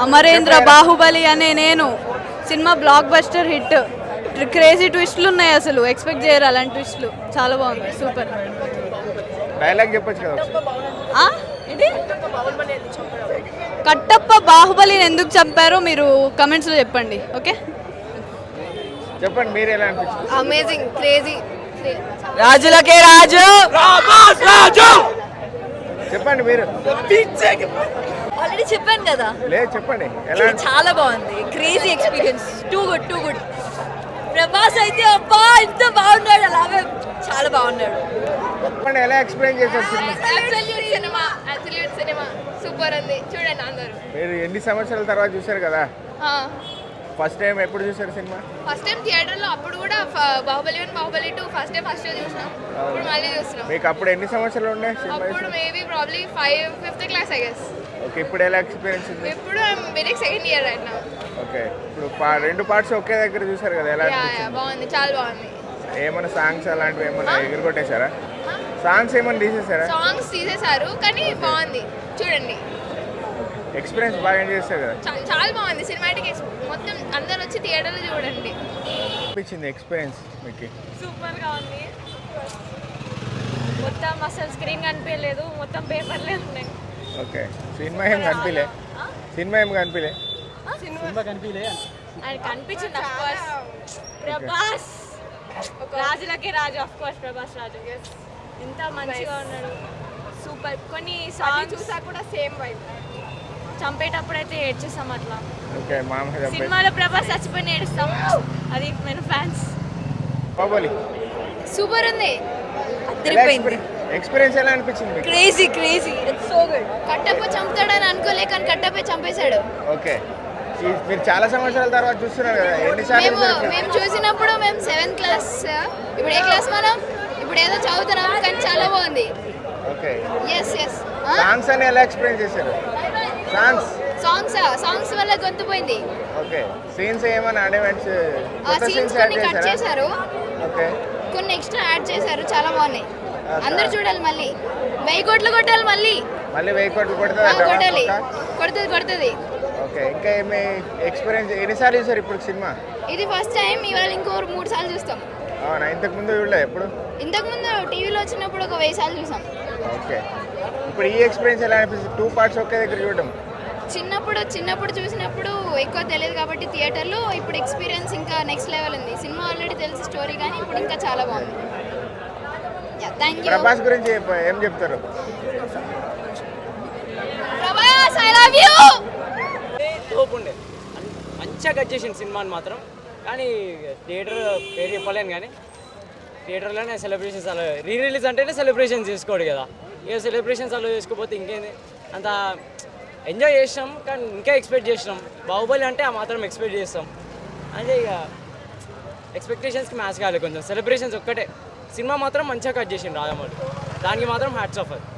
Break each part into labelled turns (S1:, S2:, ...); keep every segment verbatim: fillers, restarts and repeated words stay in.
S1: అమరేంద్ర, బాహుబలి అనే నేను cinema blockbuster hit. Crazy ట్విస్ట్లు ఉన్నాయి, అసలు ఎక్స్పెక్ట్ చేయరు అలాంటి ట్విస్ట్లు. చాలా బాగుంది, సూపర్.
S2: డైలాగ్ చెప్పొచ్చు కదా.
S1: ఆ? ఏంటి? కట్టప్ప బాహుబలిని ఎందుకు చంపారో మీరు కమెంట్స్లో చెప్పండి. ఓకే,
S2: చెప్పండి మీరు ఎలా అనిపించింది?
S3: Amazing, crazy.
S1: రాజులకే రాజు.
S2: చెప్పండి మీరు.
S3: ఆల్రెడీ చెప్పాను కదా.
S2: లేదు చెప్పండి ఎలా
S3: ఇది చాలా బాగుంది, crazy experience. Too good, too good. Prabhas అయితే అబ్బా ఇంత బాగున్నాడు, అలాగే చాలా బాగున్నాడు.
S2: చెప్పండి ఎలా ఎక్స్ప్లెయిన్ చేశారు cinema?
S3: Absolute cinema, absolute cinema super ఉంది. చూడండి అందరూ.
S2: మీరు ఎన్ని సంవత్సరాల తర్వాత చూశారు కదా? ఫస్ట్ టైం ఎప్పుడు చూసారు సినిమా?
S3: ఫస్ట్ టైం థియేటర్లో, అప్పుడు కూడా Baahubali one, Baahubali two first time first చూసినాం. ఇప్పుడు మళ్ళీ చూస్తున్నాం.
S2: మీకు అప్పుడు ఎన్ని సంవత్సరాలు ఉండే సినిమా?
S3: అప్పుడు maybe probably five fifth class I guess.
S2: Okay, ఇప్పుడు ఎలా ఎక్స్పీరియన్స్ ఉంది?
S3: ఇప్పుడు BTech second year right now.
S2: Okay, ఇప్పుడు పా- రెండు పార్ట్స్ ఒకే దగ్గర చూసారు కదా, ఎలా
S3: యా యా
S2: అనిపించింది?
S3: బాగుంది, చాలా బాగుంది.
S2: ఏమైనా సాంగ్స్ అలాంటివి ఏమైనా ఎగురగొట్టేశారా? సాంగ్స్ ఏమైనా తీసేసారా?
S3: సాంగ్స్ తీసేశారు కానీ బాగుంది, చూడండి.
S2: ఎక్స్పీరియన్స్ బాగా ఎంజాయ్ చేస్తారు కదా?
S3: చా- చాలా బాగుంది సినిమాటిక్. మొత్తం అందరు వచ్చి థియేటర్లో చూడండి.
S2: అనిపించింది ఎక్స్పీరియన్స్ మీకు?
S4: సూపర్గా ఉంది. మొత్తం అసలు స్క్రీన్ కనిపించలేదు, మొత్తం పేపర్లే ఉన్నాయి.
S2: ఓకే, సినిమా ఏం కనిపించలే? సినిమా ఏం కనిపించలే?
S4: ఆయన కనిపించింది అఫ్ కోర్స్. ప్రభాస్ రాజులకే రాజు, అఫ్ కోర్స్ ప్రభాస్ రాజు. ఎంత మంచిగా ఉన్నాడు, సూపర్. కొన్ని సాంగ్స్ చూసా కూడా సేమ్ వైబ్. చంపేటప్పుడు అయితే ఏడ్చేస్తాం అట్లా.
S2: ఓకే, మామూలుగా
S4: సినిమాలో ప్రభాస్ చచ్చిపోయిన ఏడుస్తాం, అది నేను ఫ్యాన్స్.
S2: బాహుబలి
S3: సూపర్ ఉంది,
S2: ఎక్స్పీరియన్స్ ఎలా అనిపించింది మీకు?
S3: Crazy crazy, it's so good. Kattappa చంపుతాడని అనుకోలే కానీ కట్టప్ప చంపేశాడు.
S2: ఓకే, ఈ- మీరు చాలా సంవత్సరాల తర్వాత చూస్తున్నారు కదా, ఎన్నిసార్లు
S3: మేము
S2: చూసారు?
S3: మేము చూసినప్పుడు మేము సెవెంత్ క్లాస్. ఇప్పుడు ఏ క్లాస్ మనం? ఇప్పుడు ఏదో చదువుతున్నాం కానీ చాలా బాగుంది.
S2: Okay,
S3: yes yes.
S2: సాంగ్స్ అని ఎలా ఎక్స్ప్లెయిన్ చేశారు? సాంగ్స్
S3: సాంగ్స్ సాంగ్స్ వల్ల గొంతు పోయింది.
S2: ఓకే, సీన్స్ ఏమైనా అనిమెంట్స్
S3: ఆ
S2: కొత్త
S3: సీన్స్
S2: సీన్స్
S3: కొన్ని
S2: యాడ్
S3: కట్
S2: చేశారా?
S3: చేశారు,
S2: ఓకే,
S3: కొన్ని ఎక్స్ట్రా యాడ్ చేశారు, చాలా బాగున్నాయి.
S2: Okay.
S3: అందరూ చూడాలి, మళ్ళీ వెయ్యి కోట్లు కొట్టాలి, మళ్ళీ
S2: మళ్ళీ వెయ్యి కోట్లు
S3: ఆ,
S2: కొడుతుంది
S3: కొట్టాలి, కొడుతుంది కొడుతుంది.
S2: ఓకే, ఇంకా ఏమి ఎక్స్పీరియన్స్ ఎన్నిసార్లు చూసారు ఇప్పుడు సినిమా?
S3: ఇది ఫస్ట్ టైం, ఇవాళ ఇంకో మూడు సార్లు చూస్తాం.
S2: అవునా, ఇంతకు ముందు చూడలే ఎప్పుడు?
S3: ఇంతకు ముందు టీవీలో వచ్చినప్పుడు ఒక వెయ్యి సార్లు చూసాం.
S2: ఓకే, ఇప్పుడు ఈ ఎక్స్పీరియన్స్ ఎలా అనిపిస్తుంది? టూ పార్ట్స్ ఒకే దగ్గర చూడడం.
S3: చిన్నప్పుడు చిన్నప్పుడు చూసినప్పుడు ఎక్కువ తెలియదు కాబట్టి థియేటర్లో, ఇప్పుడు ఎక్స్పీరియన్స్ ఇంకా నెక్స్ట్ లెవెల్ ఉంది. సినిమా ఆల్రెడీ తెలిసి స్టోరీ కానీ ఇప్పుడు ఇంకా చాలా బాగుంది. Thank you.
S2: ప్రభాస్ గురించి చెప్ప- ఏం చెప్తారు?
S3: Prabhas I love you.
S5: తోపు ఉండే మంచిగా కట్ చేసింది సినిమాని మాత్రం. కానీ థియేటర్ పేరు చెప్పలేను, కానీ థియేటర్లోనే సెలబ్రేషన్స్ అలా, రీ రిలీజ్ అంటేనే సెలబ్రేషన్స్ చేసుకోడు కదా. ఇక సెలబ్రేషన్స్ అలా చేసుకోకపోతే ఇంకేంది, అంత ఎంజాయ్ చేసినాం కానీ ఇంకా ఎక్స్పెక్ట్ చేసినాం. బాహుబలి అంటే ఆ మాత్రం ఎక్స్పెక్ట్ చేస్తాం అంటే ఇక ఎక్స్పెక్టేషన్స్కి మ్యాచ్ కాలేదు కొంచెం. సెలబ్రేషన్స్ ఒక్కటే, సినిమా మాత్రం మంచిగా కట్ చేసిండు రాజమౌళి, దానికి మాత్రం హ్యాట్స్ ఆఫ్. అది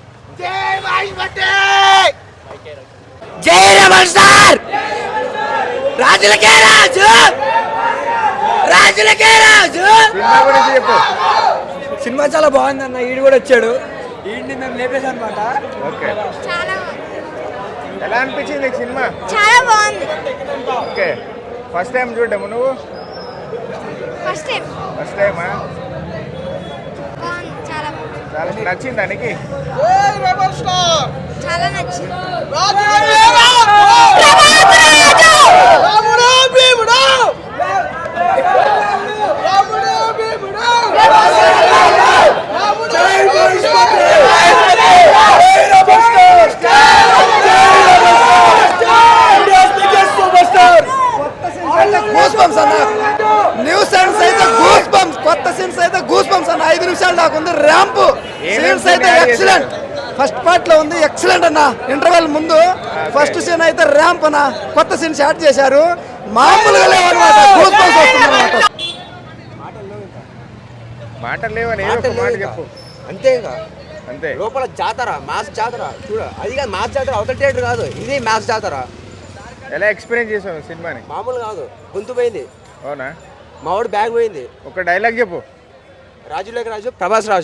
S6: జై రమణ్ సార్, రాజులకే రాజు, రాజులకే రాజు.
S2: సినిమా గురించి చెప్పు.
S6: సినిమా చాలా బాగుంది అన్న, ఈడు కూడా వచ్చాడు, ఈడిని మేము లేపేసాం అనమాట.
S2: ఓకే,
S3: చాలా
S2: ఎలా అనిపించింది నీకు సినిమా?
S3: చాలా బాగుంది.
S2: ఓకే, ఫస్ట్ టైం చూడము నువ్వు?
S3: ఫస్ట్ టైం
S2: ఫస్ట్ టైమా?
S3: బాగుంది, చాలా బాగుంది,
S2: చాలా నచ్చిందా నీకు?
S3: చాలా నచ్చింది.
S6: న్యూ సీన్స్ అయితే గూస్ బంప్స్, కొత్త సీన్స్ అయితే గూస్ బంప్స్ అన్న. ఐదు నిమిషాలు దాకా ఉంది ర్యాంప్ సీన్స్ అయితే ఎక్సలెంట్. ఫస్ట్ పార్ట్ లో ఉంది ఎక్సలెంట్ అన్న. ఇంటర్వెల్ ముందు ఫస్ట్ సీన్ అయితే ర్యాంప్ అన్న, కొత్త సీన్స్ యాడ్ చేశారు, మామూలుగా లేవన్నమాట. గూస్ బంప్స్ వస్తుందన్నమాట.
S2: మాటలు లేవని ఏదో ఒక మాట చెప్పు.
S7: అంతేగా,
S2: అంతే.
S7: లోపల జాతర, మ్యాథ్స్ జాతర చూడ. అది కాదు మ్యాథ్స్ జాతర, అవతల థియేటర్ కాదు, ఇది మ్యాథ్స్ జాతర.
S2: ఎలా ఎక్స్పీరియన్స్ చేసావు సినిమాని?
S7: మామూలు కాదు, గొంతు పోయింది,
S2: అవునా?
S7: మావాడు బ్యాగ్ పోయింది.
S2: ఒక డైలాగ్ చెప్పు.
S7: రాజులేక రాజు, ప్రభాస్ రాజు.